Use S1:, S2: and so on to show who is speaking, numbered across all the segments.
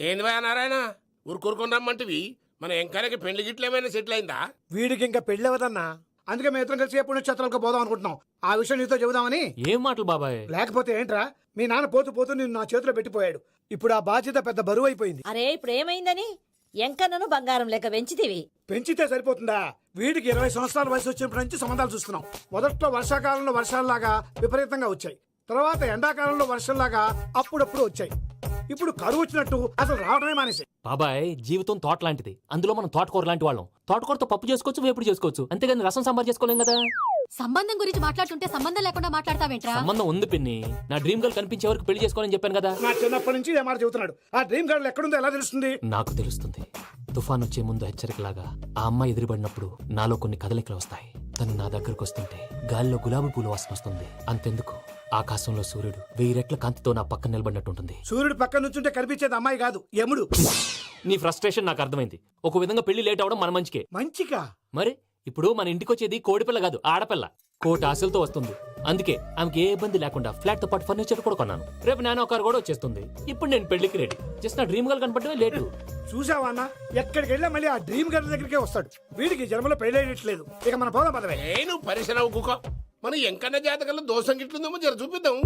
S1: ఏంది భయ నారాయణ ఊరుకూరుకొని రమ్మంటివి మన ఎంకరకి పెళ్లి గిట్లు ఏమైనా సెటిల్ అయిందా?
S2: వీడికి ఇంకా పెళ్ళి అవ్వదన్నా. అందుకే మేము ఇద్దరం కలిసి పుణ్యక్షేత్రాలకు పోదాం అనుకుంటున్నాం. ఆ విషయం నీతో చెబుదామని.
S3: ఏం మాటలు బాబాయ్?
S2: లేకపోతే ఏంట్రా, మీ నాన్న పోతూ పోతూ నిన్ను నా చేతిలో పెట్టిపోయాడు. ఇప్పుడు ఆ బాధ్యత పెద్ద బరువు అయిపోయింది.
S4: అరే ఇప్పుడు ఏమైందని? ఎంకన్నను బంగారం లెక్క పెంచితివి.
S2: పెంచితే సరిపోతుందా? వీడికి 20 సంవత్సరాల వయసు వచ్చినప్పటి నుంచి సంబంధాలు చూస్తున్నాం. మొదట్లో వర్షాకాలంలో వర్షాలలాగా విపరీతంగా వచ్చాయి. తర్వాత ఎండాకాలంలో వర్షంలాగా అప్పుడప్పుడు వచ్చాయి. ఇప్పుడు కరువు వచ్చినట్టు అసలు రావడమే మానేసి.
S3: బాబాయ్ జీవితం తోట లాంటిది. అందులో మనం తోటకూర లాంటి వాళ్ళం. తోటకూరతో పప్పు చేసుకోవచ్చు, వేపుడు చేసుకోవచ్చు, అంతేగాని రసం సాంబార్ చేసుకోలేం కదా.
S5: సంబంధం గురించి మాట్లాడుతుంటే సంబంధం లేకుండా మాట్లాడతావేంట్రా?
S3: సంబంధం ఉంది పిన్ని. నా డ్రీమ్ గర్ల్ కనిపించే వరకు పెళ్లి చేసుకోవాలని చెప్పాను కదా.
S2: నా చిన్నప్పటి నుంచి ఏ మాట చెబుతున్నాడు. ఆ డ్రీమ్ గర్ల్ ఎక్కడుందో ఎలా తెలుస్తుంది?
S3: నాకు తెలుస్తుంది. తుఫాన్ వచ్చే ముందు హెచ్చరికలాగా ఆ అమ్మాయి ఎదురుపడినప్పుడు నాలో కొన్ని కదలికలు వస్తాయి. తను నా దగ్గరకు వస్తుంటే గాలిలో గులాబీ పూలు వాసన వస్తుంది. అంతెందుకు, ఆకాశంలో సూర్యుడు 1000 రెట్ల కాంతితో నా పక్కన నిలబడినట్టుంటుంది.
S2: సూర్యుడు పక్కన నుంచుంటే కనిపించేది అమ్మాయి కాదు, యముడు.
S3: నీ ఫ్రస్ట్రేషన్ నాకు అర్థమైంది. ఒక విధంగా పెళ్లి లేట్ అవడం మన మంచికే.
S2: మంచిగా?
S3: మరి ఇప్పుడు మన ఇంటికి వచ్చేది కోడిపిల్ల కాదు, ఆడపిల్ల. కోటి ఆశలతో వస్తుంది. అందుకే ఆమెకి ఏ ఇబ్బంది లేకుండా ఫ్లాట్ తో పాటు ఫర్నిచర్ కూడా కొన్నాను. రేపు నానో కారు కూడా వచ్చేస్తుంది. ఇప్పుడు నేను పెళ్లికి రెడీ. జస్ట్ నా డ్రీమ్ గర్ల్ కనపడమే లేటు.
S2: చూసావా అన్న, ఎక్కడికి వెళ్ళా మళ్ళీ ఆ డ్రీమ్ గర్ల్ దగ్గరికే వస్తాడు. వీడికి జన్మలో పెళ్ళేయట్లేదు. ఇక మన పోదాం పదవే.
S1: నేను పరిశ్రమ కుక మన ఎంకన్న జాతకంలో దోషం గిట్లుందేమో జర చూపిద్దాం.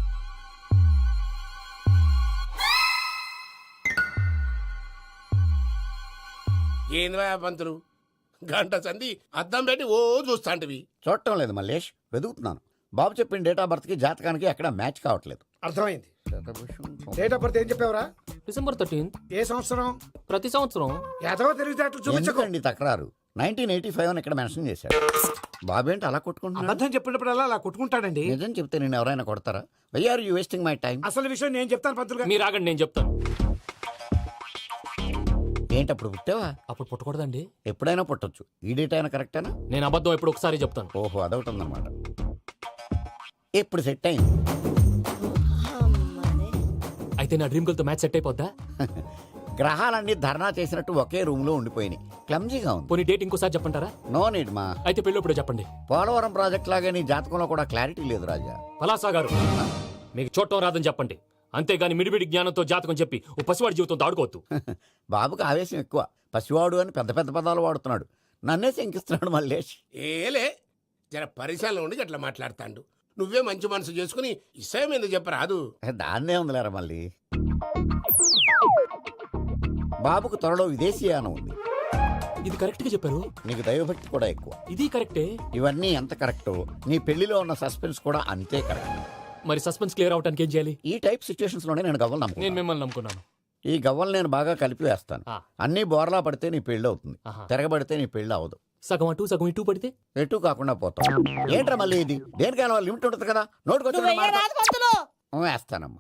S1: ఏంది భయ పంతులు, గంట సంధి అద్దం పెట్టి ఓ చూస్తాంటివి.
S6: చూడటం లేదు మల్లేష్, వెతుకుతున్నాను. బాబు చెప్పిన డేట్ ఆఫ్ బర్త్ కి జాతకానికి ఎక్కడ మ్యాచ్ కావట్లేదు.
S2: అర్థమైంది. డేట్ ఆఫ్ బర్త్ ఏం చెప్పావురా?
S3: December 13th.
S2: ఏ సంవత్సరం?
S3: ప్రతి సంవత్సరం.
S2: ఎదవ తెలివితేటలు చూపించకు.
S6: ఎందుకండి తక్రారు? 1985 అని ఇక్కడ మెన్షన్ చేశాడు. బాబు ఏంటి అలా కొట్టుకుంటున్నాడు?
S2: అబద్ధం చెప్పినప్పుడల్లా అలా కొట్టుకుంటాడండి.
S6: నిజం చెప్తే నేను ఎవరైనా కొడతారా? Why are you wasting my time?
S2: అసలు విషయం నేను చెప్తాను పంతులు గారు.
S3: మీరు ఆగండి, నేను చెప్తాను.
S6: ఏంటి అప్పుడు పుట్టావా?
S3: అప్పుడు పుట్టకూడదండి.
S6: ఎప్పుడైనా పుట్టొచ్చు. ఈ డేట్ అయినా కరెక్టేనా?
S3: నేను అబద్ధం ఎప్పుడు ఒకసారి చెప్తాను.
S6: ఓహో, అదొకటి ఉందన్నమాట. ఇప్పుడు సెట్ అయింది.
S3: అయితే నా డ్రీమ్ గర్ల్ తో మ్యాచ్ సెట్ అయిపోద్దా?
S6: గ్రహాలన్నీ ధర్నా చేసినట్టు ఒకే రూమ్ లో ఉండిపోయినాయి. క్లమ్జీగా ఉంది.
S3: పోనీ డేట్ ఇంకోసారి చెప్పంటారా?
S6: నో నీడ్ మా.
S3: అయితే పెళ్ళప్పుడు చెప్పండి.
S6: పోలవరం ప్రాజెక్ట్ లాగే నీ జాతకంలో కూడా క్లారిటీ లేదు రాజా.
S3: పలాసా గారు, మీకు చూడటం రాదని చెప్పండి. అంతేగాని మిడిమిడి జ్ఞానంతో జాతకం చెప్పి ఓ పసివాడి జీవితంతో ఆడుకోవద్దు.
S6: బాబుకి ఆవేశం ఎక్కువ. పసివాడు అని పెద్ద పెద్ద పదాలు వాడుతున్నాడు. నన్నే శంకిస్తున్నాడు మల్లేష్.
S1: ఏలే జర పరిశ్రమలో ఉండి అట్లా మాట్లాడతాండు. నువ్వే మంచి మనసు చేసుకుని ఇష్టం ఎందుకు చెప్పరాదు?
S6: దాన్నే ఉందిలేరా మళ్ళీ. బాబుకు త్వరలో విదేశీయానం ఉంది.
S3: ఇది కరెక్ట్ గా చెప్పారు.
S6: నీకు దైవభక్తి కూడా ఎక్కువ.
S3: ఇది కరెక్టే.
S6: ఇవన్నీ ఎంత కరెక్టో నీ పెళ్లిలో ఉన్న సస్పెన్స్ కూడా అంతే కరెక్ట్.
S3: మరి సస్పెన్స్ క్లియర్ అవడానికి ఏం చేయాలి?
S6: ఈ టైప్ సిచ్యువేషన్స్ లోనే నేను గవ్వలు
S3: నేను
S6: నమ్ముకున్నాను.
S3: మిమ్మల్ని నమ్ముకున్నాను.
S6: ఈ గవ్వలు నేను బాగా కలిపి వేస్తాను.
S3: ఆ.
S6: అన్ని బోర్లా పడితే నీ పెళ్లి అవుతుంది.
S3: ఆహా.
S6: తిరగబడితే నీ పెళ్లి అవదు.
S3: సగం అటు సగం ఇటు పడితే
S6: ఎటు కాకుండా పోతాం. ఏంట్రా మళ్ళీ ఇది? దేనికైనా లిమిట్ ఉంటుంది కదా. నోటుకొచ్చిన
S4: నువ్వు వెయ్యరాదు పంతులు.
S6: వేస్తానమ్మా.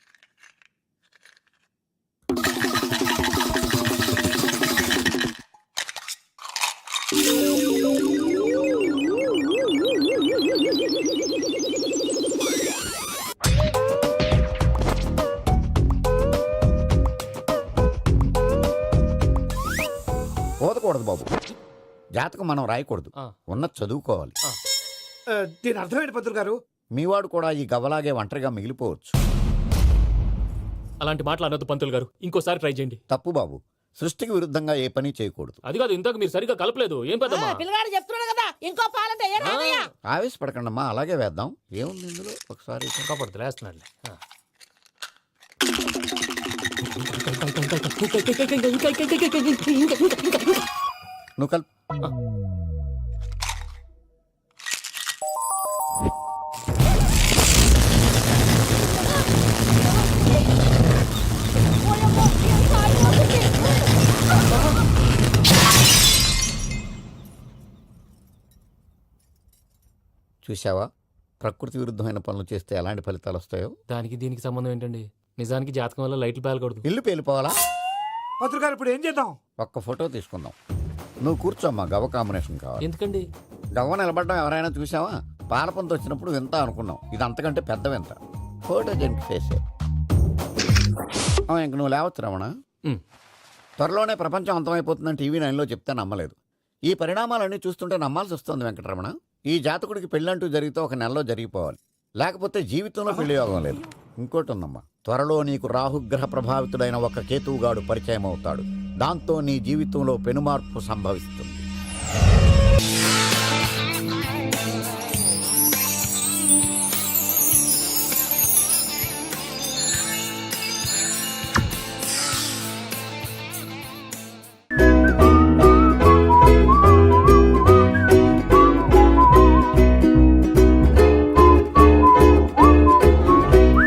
S6: పోదకూడదు బాబు. జాతకం మనం రాయకూడదు.
S3: ఆ.
S6: ఉన్నది చదువుకోవాలి.
S2: దీని అర్థమైంది పంతులు గారు.
S6: మీవాడు కూడా ఈ గవ్వలాగే ఒంటరిగా మిగిలిపోవచ్చు.
S3: అలాంటి మాటలు అనొద్దు పంతులు గారు. ఇంకోసారి ట్రై చేయండి.
S6: తప్పు బాబు. సృష్టికి విరుద్ధంగా ఏ పని చేయకూడదు.
S3: అది కాదు, ఇంతకు మీరు సరిగ్గా కలపలేదు. ఏం పెద్దమ్మా?
S4: పిల్లగాడు చెప్తున్నాడు కదా, ఇంకో పాలంటే ఏ రాదయ్యా?
S6: ఆవేశపడకండమ్మా, అలాగే వేద్దాం. ఏముంది ఇందులో? ఒకసారి
S3: కాపాడుతు లేస్తున్నాడు.
S6: నువ్వు కల్. చూసావా, ప్రకృతి విరుద్ధమైన పనులు చేస్తే ఎలాంటి ఫలితాలు వస్తాయో.
S3: దానికి దీనికి సంబంధం ఏంటండి? నిజానికి జాతకం వల్ల లైట్లు పేలకూడదు.
S6: ఇల్లు పేలిపోవాలా?
S2: పంతులు గారు ఇప్పుడు ఏం చేద్దాం?
S6: ఒక్క ఫోటో తీసుకుందాం. నువ్వు కూర్చోమ్మా, గవ్వ కాంబినేషన్ కావాలి.
S3: ఎందుకండి?
S6: గవ్వ నిలబడడం ఎవరైనా చూసావా? పాలపంత వచ్చినప్పుడు వింత అనుకున్నాం. ఇది అంతకంటే పెద్ద వింత. ఫోటో జంక్ చేసే. ఇంక నువ్వు లేవచ్చు రమణ. త్వరలోనే ప్రపంచం అంతమైపోతుందని టీవీ 9లో చెప్తే నమ్మలేదు. ఈ పరిణామాలన్నీ చూస్తుంటే నమ్మాల్సి వస్తుంది వెంకటరమణ. ఈ జాతకుడికి పెళ్ళంటూ జరిగితే 1 నెలలో జరిగిపోవాలి. లేకపోతే జీవితంలో పెళ్లి యోగం లేదు. ఇంకోటి ఉందమ్మా, త్వరలో నీకు రాహుగ్రహ ప్రభావితుడైన ఒక కేతువుగాడు పరిచయం అవుతాడు. దాంతో నీ జీవితంలో పెనుమార్పు సంభవిస్తుంది.